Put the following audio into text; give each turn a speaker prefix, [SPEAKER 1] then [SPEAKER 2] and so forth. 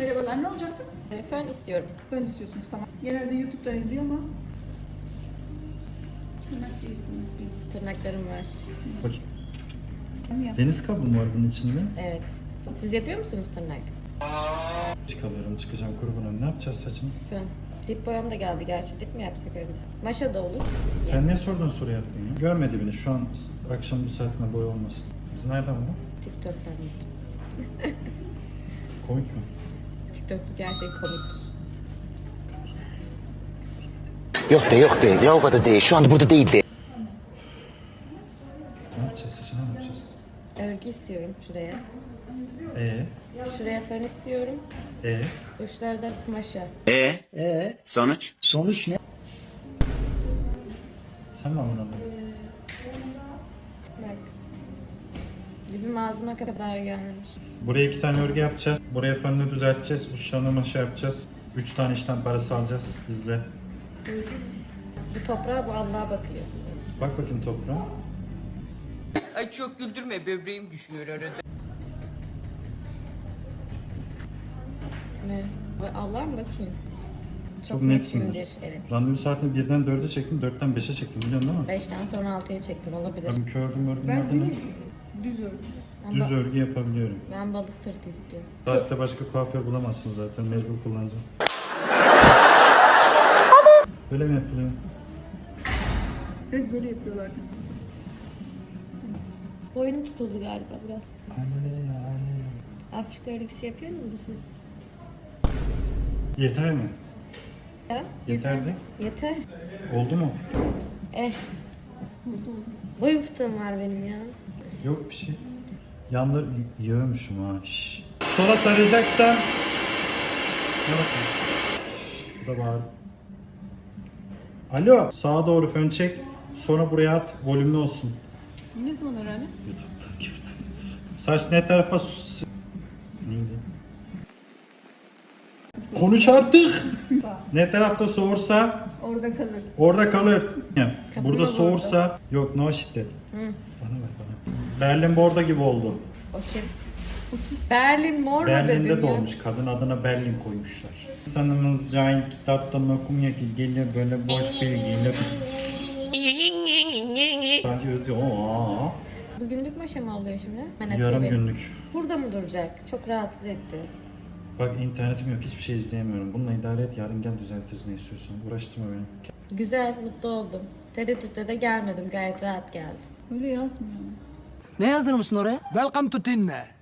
[SPEAKER 1] Merhabalar, ne olacaktı?
[SPEAKER 2] Fön istiyorum.
[SPEAKER 1] Fön istiyorsunuz, tamam. Genelde YouTube'dan izliyor ama... Tırnak değil, tırnak değil.
[SPEAKER 2] Tırnaklarım var.
[SPEAKER 3] Bakayım.
[SPEAKER 1] Onu yap.
[SPEAKER 3] Deniz kabuğu mu var bunun içinde?
[SPEAKER 2] Evet. Siz yapıyor musunuz tırnak?
[SPEAKER 3] Çıkalıyorum, çıkacağım kurbanım. Ne yapacağız saçını?
[SPEAKER 2] Fön. Dip boyam da geldi gerçi. Dip mi yapsak önce? Maşa da olur.
[SPEAKER 3] Sen ne sorduğun soru yaptın ya? Görmedi beni. Şu an akşam bu saatinde boy olmasın. Biz nereden bu?
[SPEAKER 2] TikTok'tan buldum.
[SPEAKER 3] Komik mi?
[SPEAKER 2] TikTok'taki her şey komik.
[SPEAKER 4] Yok be ya o kadar değil şu anda burada değil be.
[SPEAKER 3] Ne yapacağız saçına ne yapacağız?
[SPEAKER 2] Örgü istiyorum şuraya.
[SPEAKER 3] Ee?
[SPEAKER 2] Şuraya fön istiyorum.
[SPEAKER 3] Ee?
[SPEAKER 2] Uçlarda maşa.
[SPEAKER 4] Sonuç? Sonuç ne?
[SPEAKER 3] Sen mi anladın?
[SPEAKER 2] Bak. Dibim ağzıma kadar gelmiş.
[SPEAKER 3] Buraya 2 tane örgü yapacağız. Buraya fönünü düzelteceğiz. Uçlarına maşa yapacağız. 3 tane işten parası alacağız. İzle.
[SPEAKER 2] Bu toprağa bu Allah'a bakıyor.
[SPEAKER 3] Bak bakayım toprağa.
[SPEAKER 5] Ay çok güldürme, böbreğim düşüyor arada.
[SPEAKER 2] Ne? Bu Allah'a mı bakayım?
[SPEAKER 3] Çok netsindir.
[SPEAKER 2] netsindir, evet.
[SPEAKER 3] Randevu saatini 1'den 4'e çektim. 4'ten 5'e çektim biliyorsun değil mi?
[SPEAKER 2] 5'ten sonra 6'ya çektim olabilir.
[SPEAKER 3] Ben kördüm örgünün
[SPEAKER 1] Ben
[SPEAKER 3] adını.
[SPEAKER 1] düz ördüm.
[SPEAKER 2] Ben,
[SPEAKER 3] Düz örgü yapabiliyorum.
[SPEAKER 2] ben balık sırtı istiyorum.
[SPEAKER 3] Saatte başka kuaför bulamazsın zaten. Mecbur kullanacağım. Böyle mi yapılıyor?
[SPEAKER 1] Evet, böyle yapıyorlardı.
[SPEAKER 2] Boynum tutuldu galiba biraz.
[SPEAKER 3] Anne ya anne.
[SPEAKER 2] Afrika örgüsü yapıyorsunuz mu siz?
[SPEAKER 3] Yeter mi?
[SPEAKER 2] Ya?
[SPEAKER 3] Yeterli.
[SPEAKER 2] Yeter.
[SPEAKER 3] Oldu mu?
[SPEAKER 2] Boy fıtığım var benim ya.
[SPEAKER 3] Yok bir şey. Yanları yiyormuşum ha. Şş. Sola tarayacaksan. Ne bakayım? Bu da bağır. Alo. Sağa doğru fön çek. Sonra buraya at. Volümlü olsun.
[SPEAKER 1] Ne zaman öğrendin?
[SPEAKER 3] YouTube'dan gördüm. Saç ne tarafa... Neydi? Konuş artık. Ne tarafta soğursa
[SPEAKER 1] Orada kalır.
[SPEAKER 3] orada kalır. Yani
[SPEAKER 2] Kapıda
[SPEAKER 3] burada soğursa yok no şiddet. Bana ver bana. Berlin Borda gibi oldu.
[SPEAKER 2] O kim? Berlin mor mu
[SPEAKER 3] Berlin'de
[SPEAKER 2] dedim ya?
[SPEAKER 3] doğmuş. Kadın adına Berlin koymuşlar. İnsanımız cahil kitaptan okumuyor ki geliyor böyle boş bilgiyle. Sanki özü o.
[SPEAKER 2] Bugünlük maşa mı oluyor şimdi? Ben
[SPEAKER 3] Yarım
[SPEAKER 2] atıyor benim.
[SPEAKER 3] günlük.
[SPEAKER 2] Burada mı duracak? Çok rahatsız etti.
[SPEAKER 3] Bak internetim yok hiçbir şey izleyemiyorum. Bununla idare et yarın gel düzeltiriz ne istiyorsan. Uğraştırma beni.
[SPEAKER 2] Güzel, mutlu oldum. Tereddütte de gelmedim. Gayet rahat geldim.
[SPEAKER 1] Öyle yazmıyor.
[SPEAKER 6] Ne yazdırmışsın oraya? Welcome to Tinne.